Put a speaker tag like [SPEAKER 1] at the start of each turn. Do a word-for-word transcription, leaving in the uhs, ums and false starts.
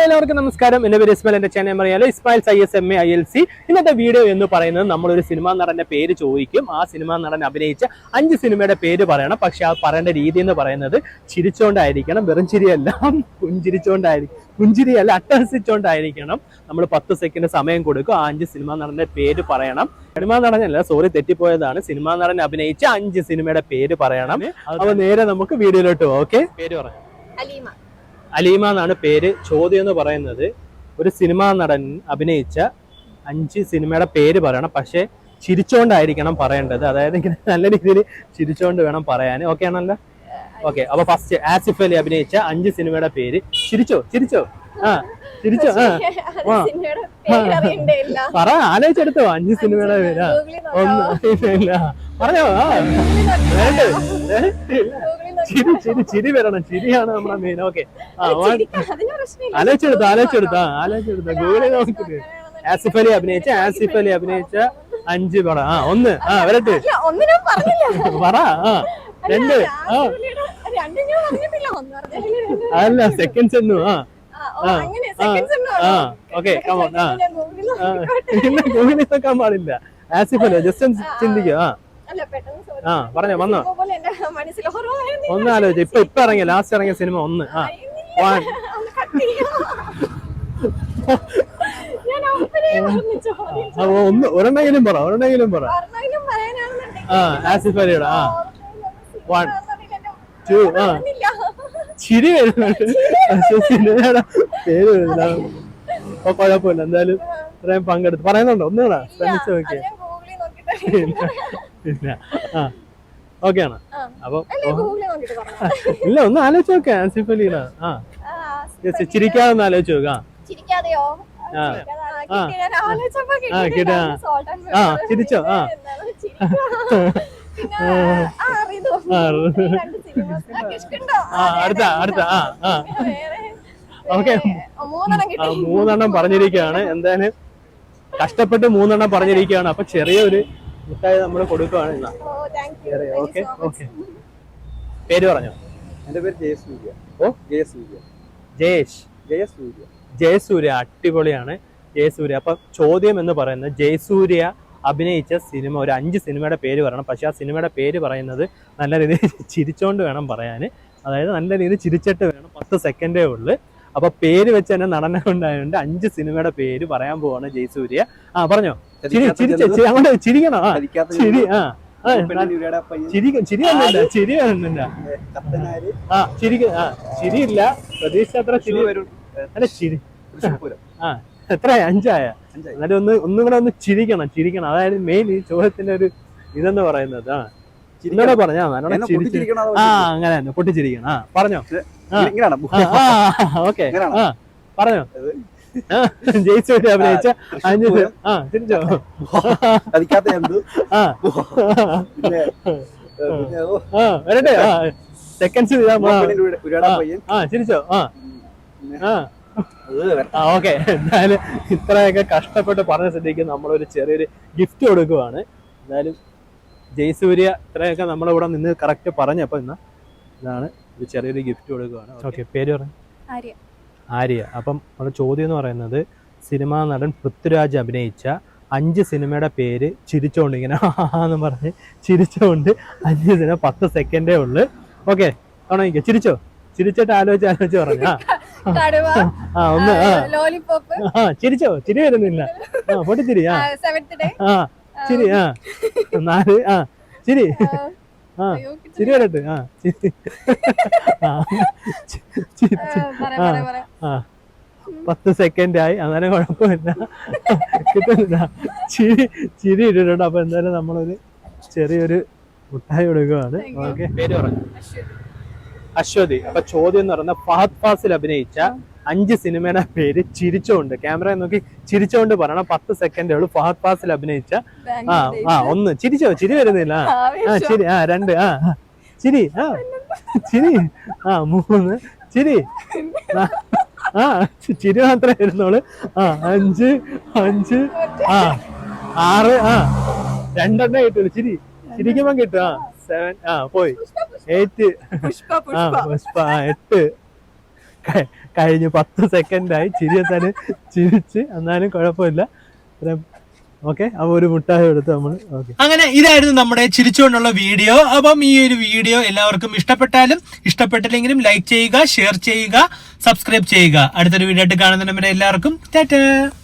[SPEAKER 1] എല്ലാവർക്കും നമസ്കാരം. എന്റെ പേര് ഇസ്മായിൽ. എന്റെ ചാനൽ അറിയാലോ, Ismail I S M A I L C. ഇന്നത്തെ വീഡിയോ എന്ന് പറയുന്നത് നമ്മളൊരു സിനിമാ നടന്റെ പേര് ചോദിക്കും. ആ സിനിമാ നടൻ അഭിനയിച്ച അഞ്ച് സിനിമയുടെ പേര് പറയണം. പക്ഷെ ആ പറയേണ്ട രീതി എന്ന് പറയുന്നത് ചിരിച്ചോണ്ടായിരിക്കണം, വെറും ചിരിയല്ല, പുഞ്ചിരിച്ചോണ്ടായിരിക്കും. പുഞ്ചിരിയല്ല, അട്ടഹസിച്ചോണ്ടായിരിക്കണം. നമ്മൾ പത്ത് സെക്കൻഡ് സമയം കൊടുക്കും. ആ അഞ്ച് സിനിമാ നടന്റെ പേര് പറയണം. സിനിമാ നടനല്ല, സോറി, തെറ്റിപ്പോയതാണ്. സിനിമാ നടൻ അഭിനയിച്ച അഞ്ച് സിനിമയുടെ പേര് പറയണം. അപ്പൊ നേരെ നമുക്ക് വീഡിയോയിലോട്ട് പോകാം. ഓക്കെ, പേര് പറയാം.
[SPEAKER 2] അലീമ.
[SPEAKER 1] അലീമ എന്നാണ് പേര്. ചോദ്യം എന്ന് പറയുന്നത് ഒരു സിനിമാ നടൻ അഭിനയിച്ച അഞ്ച് സിനിമയുടെ പേര് പറയണം. പക്ഷെ ചിരിച്ചോണ്ടായിരിക്കണം പറയേണ്ടത്. അതായത് ഇങ്ങനെ നല്ല രീതിയിൽ ചിരിച്ചോണ്ട് വേണം പറയാൻ. ഓക്കെ ആണല്ലോ? ഓക്കെ. അപ്പൊ ഫസ്റ്റ് ആസിഫ് അലി അഭിനയിച്ച അഞ്ച് സിനിമയുടെ പേര്. ചിരിച്ചോ ചിരിച്ചോ ആ ചിരിച്ചോ ആ പറ, ആലോചിച്ചെടുത്തോ അഞ്ച് സിനിമയുടെ പേര്. ഒന്നും ഇല്ല, പറഞ്ഞോ. ആ ചിരി ചിരി ചിരി വരണം. ചിരിയാണ് നമ്മളെ മെയിൻ. ഓക്കെ, ആ ആലോചിച്ചെടുത്തോ ആലോചിച്ചെടുത്തോ ആലോചിച്ചെടുത്തോ ഗൂഗിളിൽ നോക്കിട്ട് ആസിഫ് അലി അഭിനയിച്ച ആസിഫ് അലി അഭിനയിച്ച അഞ്ച് പറ. ആ ഒന്ന്, ആ വരട്ടെ, പറ. ആ രണ്ട്, ആ അല്ല സെക്കൻഡ്സ് ഒന്നും. ആ ആ ഓക്കെ, കമോൺ. ആ ഇല്ല, ഗൂഗിളിൽ നോക്കാൻ പാടില്ല. ആസിഫ് അലി ജസ്റ്റ് ചിന്തിക്കുക. ആ ആ പറഞ്ഞോ, വന്നോ. ഒന്ന് ആലോചിച്ചു. ഇപ്പൊ ഇപ്പൊ ഇറങ്ങിയ ലാസ്റ്റ് ഇറങ്ങിയ സിനിമ ഒന്ന്. ആ വൺ. ഒന്ന് ഒരെണ്ണെങ്കിലും പറ, ഒരെണ്ണെങ്കിലും പറ. ആ ആസിഫ് അലിയുടെ. ആ വൺ ടു. ആ ചിരി വരുന്നുണ്ട്. സിനിമയുടെ പേര് വരുന്നില്ല. അപ്പൊ കുഴപ്പമില്ല, എന്തായാലും ഇത്രയും പങ്കെടുത്ത് പറയുന്നുണ്ടോ? ഒന്നുകൂടാ ശ്രമിച്ചു നോക്കിയേ. ഇല്ല. ആ ഓക്കെ ആണ്. അപ്പൊ ഇല്ല, ഒന്ന് ആലോചിച്ച് നോക്ക. ആസിഫ് അലിയുടെ. ആ ചിരിക്കാതെ ഒന്ന് ആലോചിച്ച് നോക്ക. ആ ആ കിട്ടാ. ആ ചിരിച്ചോ. ആ അടുത്ത അടുത്ത. ആ ആ ഓക്കെ, മൂന്നെണ്ണം പറഞ്ഞിരിക്കുകയാണ്. എന്തായാലും കഷ്ടപ്പെട്ട് മൂന്നെണ്ണം പറഞ്ഞിരിക്കുകയാണ്. അപ്പൊ ചെറിയൊരു മുട്ടായി നമ്മൾ കൊടുക്കുവാണ്. ഇന്നാ ഓക്കെ ഓക്കെ. പേര് പറഞ്ഞോ.
[SPEAKER 3] എന്റെ പേര് ജയസൂര്യ.
[SPEAKER 1] ഓ
[SPEAKER 3] ജയസൂര്യ.
[SPEAKER 1] ജയേഷ്.
[SPEAKER 3] ജയസൂര്യ.
[SPEAKER 1] ജയസൂര്യ, അടിപൊളിയാണ് ജയസൂര്യ. അപ്പൊ ചോദ്യം എന്ന് പറയുന്നത് ജയസൂര്യ അഭിനയിച്ച സിനിമ ഒരു അഞ്ച് സിനിമയുടെ പേര് പറയണം. പക്ഷെ ആ സിനിമയുടെ പേര് പറയുന്നത് നല്ല രീതിയിൽ ചിരിച്ചോണ്ട് വേണം പറയാൻ. അതായത് നല്ല രീതിയിൽ ചിരിച്ചിട്ട് വേണം. പത്ത് സെക്കൻഡേ ഉള്ളു. അപ്പൊ പേര് വെച്ച് തന്നെ നടനെ കൊണ്ടായതുകൊണ്ട് അഞ്ച് സിനിമയുടെ പേര് പറയാൻ പോവാണ് ജയസൂര്യ. ആ പറഞ്ഞോ. ചിരി ചിരിച്ച് അങ്ങോട്ട് ചിരിക്കണോ. ആ ചിരി. ആ ചിരി ചിരി വന്നില്ല, ചിരി വരുന്നില്ല. ആ ചിരി. ആ ചിരിയില്ല, പ്രതീക്ഷ അത്ര ചിരി വരും. അല്ല ചിരി. ആ എത്ര അഞ്ചായ? എന്നാലും ഒന്ന് ഒന്നും കൂടെ ഒന്ന് ചിരിക്കണം, ചിരിക്കണം. അതായത് മെയിൻ ഈ ചോദ്യത്തിന്റെ ഒരു ഇതെന്ന് പറയുന്നത്. ആ ഇന്നലെ പറഞ്ഞാ ആ അങ്ങനെ തന്നെ പൊട്ടിച്ചിരിക്കണം. ആ പറഞ്ഞോ. ഓക്കെ, ആ പറഞ്ഞോ. ജയസൂര്യ അഭിനയിച്ച അഞ്ച്. ആ തിരിച്ചോ. ആ വരട്ടെ. ആ സെക്കൻഡ്സ്. ആ ചിരിച്ചോ. ആ ആ ഓക്കെ. എന്തായാലും ഇത്രയൊക്കെ കഷ്ടപ്പെട്ട് പറഞ്ഞ സ്ഥിതിക്ക് നമ്മളൊരു ചെറിയൊരു ഗിഫ്റ്റ് കൊടുക്കുവാണ്. എന്തായാലും ജയസൂര്യ ഇത്രയൊക്കെ നമ്മളിവിടെ നിന്ന് കറക്റ്റ് പറഞ്ഞപ്പോ ഇന്ന് ഇതാണ് ഒരു ചെറിയൊരു ഗിഫ്റ്റ് കൊടുക്കുവാണ്. ഓക്കെ, പേര് പറഞ്ഞു. ആര്യ. അപ്പം നമ്മുടെ ചോദ്യം എന്ന് പറയുന്നത് സിനിമാ നടൻ പൃഥ്വിരാജ് അഭിനയിച്ച അഞ്ച് സിനിമയുടെ പേര് ചിരിച്ചോണ്ട് ഇങ്ങനെ എന്ന് പറഞ്ഞ് ചിരിച്ചോണ്ട് അഞ്ച് സിനിമ. പത്ത് സെക്കൻഡേ ഉള്ളു. ഓക്കെ, തുടങ്ങിക്കോ. ചിരിച്ചോ. ചിരിച്ചിട്ട് ആലോചിച്ച് ആലോചിച്ച് പറഞ്ഞ. ആ ഒന്ന്. ആ ചിരിച്ചോ. ചിരി വരുന്നില്ല. ആ പൊട്ടിച്ചിരി. ആ ആ ചിരി. ആ നാല്. ആ ചിരി. ആ ചിരി വരട്ടെ. ആ ചിരി. ആ പത്ത് സെക്കൻഡ് ആയി. അന്നേരം കുഴപ്പമില്ല, കിട്ടുന്നില്ല. ചിരി ചിരി ഇട്ടിട്ടുണ്ട്. അപ്പൊ എന്തായാലും നമ്മളൊരു ചെറിയൊരു മുട്ടായി കൊടുക്കുവാണ്. ഓക്കെ, പേര് പറഞ്ഞു. അശ്വതി. അപ്പൊ ചോദ്യം എന്ന് പറയുന്നത് ഫഹദ് ഫാസിൽ അഭിനയിച്ച അഞ്ച് സിനിമയുടെ പേര് ചിരിച്ചോണ്ട്, ക്യാമറ നോക്കി ചിരിച്ചോണ്ട് പറയണം. പത്ത് സെക്കൻഡേ ഉള്ളൂ. ഫഹദ് ഫാസിൽ അഭിനയിച്ച. ആ ആ ഒന്ന്. ചിരിച്ചോ. ചിരി വരുന്നില്ല. ആ ചിരി. ആ രണ്ട്. ആ ചിരി. ആ ചിരി. ആ മൂന്ന്. ചിരി. ആ ചിരി മാത്രമേ വരുന്നുള്ളൂ. ആ അഞ്ച് അഞ്ച്. ആ ആറ്. ആ രണ്ടെണ്ണേ കിട്ടുള്ളൂ. ചിരി ചിരിക്കുമ്പോ കിട്ടും. ആ സെവൻ. ആ പോയി. എയ്റ്റ്. ആ പുഷ്പ. എട്ട്. ക- കഴിഞ്ഞ് പത്ത് സെക്കൻഡായി ചിരിയെത്താൻ ചിരിച്ച് എന്നാലും കുഴപ്പമില്ല. ഓക്കെ, അപ്പൊ ഒരു മുട്ടായി എടുത്ത് നമ്മൾ ഓക്കെ. അങ്ങനെ ഇതായിരുന്നു നമ്മുടെ ചിരിച്ചുകൊണ്ടുള്ള വീഡിയോ. അപ്പം ഈ ഒരു വീഡിയോ എല്ലാവർക്കും ഇഷ്ടപ്പെട്ടാലും ഇഷ്ടപ്പെട്ടില്ലെങ്കിലും ലൈക്ക് ചെയ്യുക, ഷെയർ ചെയ്യുക, സബ്സ്ക്രൈബ് ചെയ്യുക. അടുത്തൊരു വീഡിയോ ആയിട്ട് കാണുന്നതിന് എല്ലാവർക്കും ടാറ്റാ.